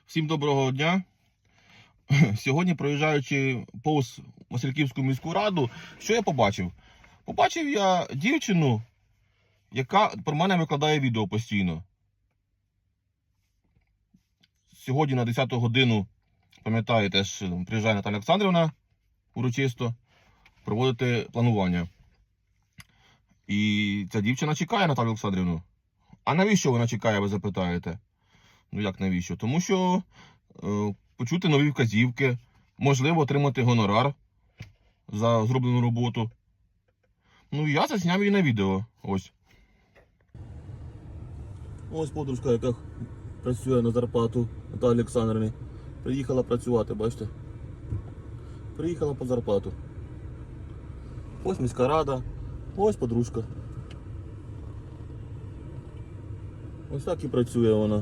Всім доброго дня. Сьогодні, проїжджаючи повз Васильківську міську раду, що я побачив? Побачив я дівчину, яка про мене викладає відео постійно. Сьогодні на 10 годину, пам'ятаєте, приїжджає Наталя Олександрівна урочисто проводити планування. І ця дівчина чекає Наталю Олександрівну. А навіщо вона чекає, ви запитаєте? Ну як навіщо? Тому що почути нові вказівки, можливо отримати гонорар за зроблену роботу. Ну я засняв її на відео. Ось. Ось подружка, яка працює на зарплату Наталі Олександрівни. Приїхала працювати, бачите? Приїхала по зарплату. Ось міська рада, ось подружка. Ось так і працює вона.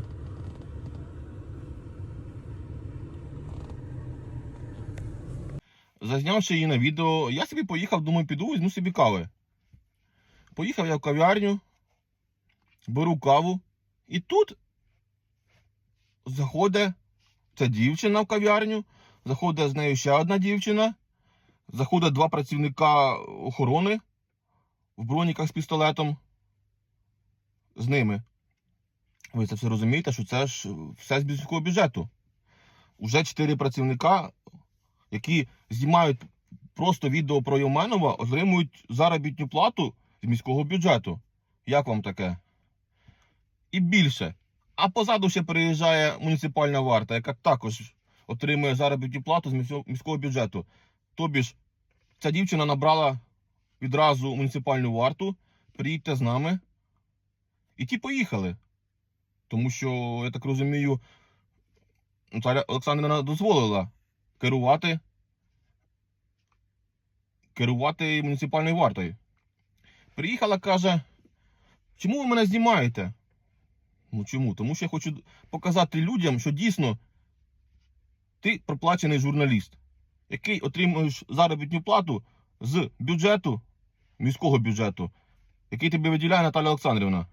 Зазнявши її на відео, я собі поїхав, думаю, піду, візьму собі кави. Поїхав я в кав'ярню, беру каву, і тут заходить ця дівчина в кав'ярню, заходить з нею ще одна дівчина, заходять два працівника охорони в броніках з пістолетом з ними. Ви це все розумієте, що це ж все з міського бюджету. Уже 4 працівника, які знімають просто відео про Євменова, отримують заробітну плату з міського бюджету. Як вам таке? І більше. А позаду ще приїжджає муніципальна варта, яка також отримує заробітну плату з міського бюджету. Тобі ж ця дівчина набрала відразу муніципальну варту, приїдьте з нами. І ті поїхали. Тому що, я так розумію, Наталя Олександрівна дозволила керувати муніципальною вартою. Приїхала, каже, чому ви мене знімаєте? Ну чому? Тому що я хочу показати людям, що дійсно ти проплачений журналіст, який отримуєш заробітну плату з бюджету, міського бюджету, який тобі виділяє Наталя Олександрівна.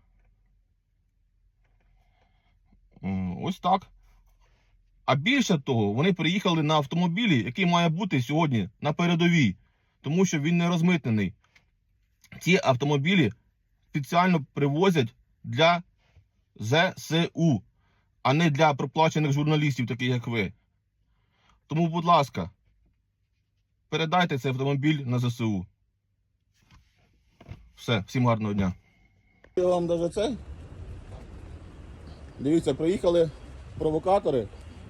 Ось так. А більше того, вони приїхали на автомобілі, який має бути сьогодні на передовій, тому що він не розмитнений. Ці автомобілі спеціально привозять для ЗСУ, а не для проплачених журналістів, таких як ви. Тому, будь ласка, передайте цей автомобіль на ЗСУ. Все, всім гарного дня. Я вам даже це. Дивіться, приїхали провокатори.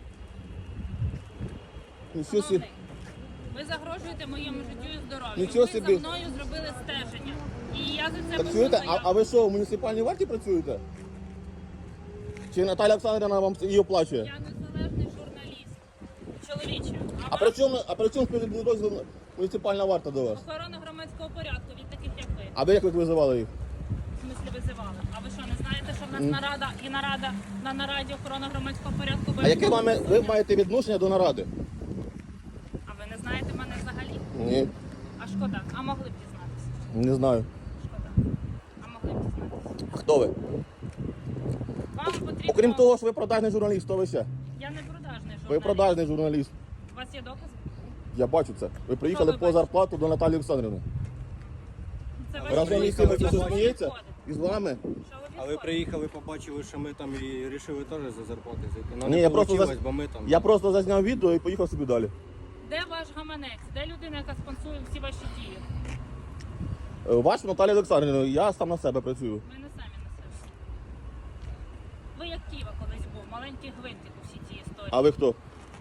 Шановний, ви загрожуєте моєму життю і здоров'ю. Нічого Ви собі. за мною зробили стеження. І я за це Працюєте? буду А ви що, в муніципальній варті працюєте? Чи Наталя Олександрівна вам її оплачує? Я незалежний журналіст. Чоловіче. А при чому підрозділ муніципальна варта до вас? Охорона громадського порядку від таких, як ви. А ви як визивали їх? В смислі визивали. А ви що, не знаєте, що в нас нарада і на нараді охорона громадського порядку? А яке ви маєте відношення до наради? А ви не знаєте мене взагалі? Ні, А шкода. А могли б дізнатися? не знаю. Шкода. А могли б дізнатися? Хто ви? Вам потрібно... Окрім того, що ви продажний журналіст, хто ви ще? Я не продажний журналіст. Ви продажний журналіст. У вас є докази? Я бачу це. Ви приїхали ви по бачите? зарплату до Наталі Олександрівни. Це Разом із тими, хто сміється, і з вами. А ви приїхали, побачили, що ми там і вирішили теж за зарплати зайти. Ну, Ні, не я просто получилось, бо ми там... Я просто зазняв відео і поїхав собі далі. Де ваш гаманець? Де людина, яка спонсує всі ваші дії? Ваш Наталя Олександрівна, я сам на себе працюю. Ми не самі на себе. Ви як Ківа колись був, маленький гвинтик у всій цій історії. А ви хто?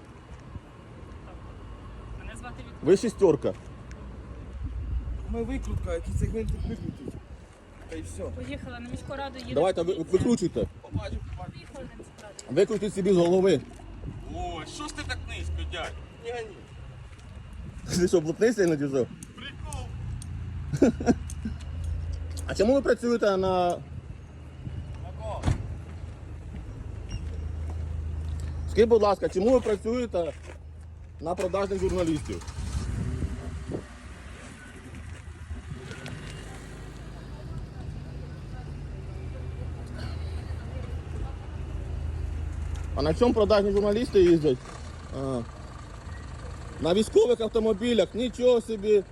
Мене звати Вікторія. Ви шістерка. Ми викрутка, який цей гвинтик викрутить. Та й все. Поїхала на міську раду, їде. Давайте викручуйте. Побачив. Поїхали на міську раду. Викрутіть собі з голови. Ой, що ж ти так низько, дядь? Не гони. Ти що, блатний сильно чи що? Прикол. А чому ви працюєте на... Мако. Скажіть, будь ласка, чому ви працюєте на продажних журналістів? А на чому продажні журналісти їздять? Ага. На військових автомобілях, нічого собі.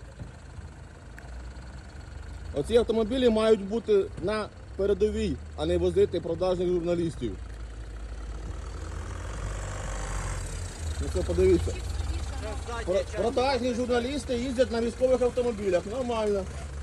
Оці автомобілі мають бути на передовій, а не возити продажних журналістів. Ну це подивіться. Продажні журналісти їздять на військових автомобілях. Нормально.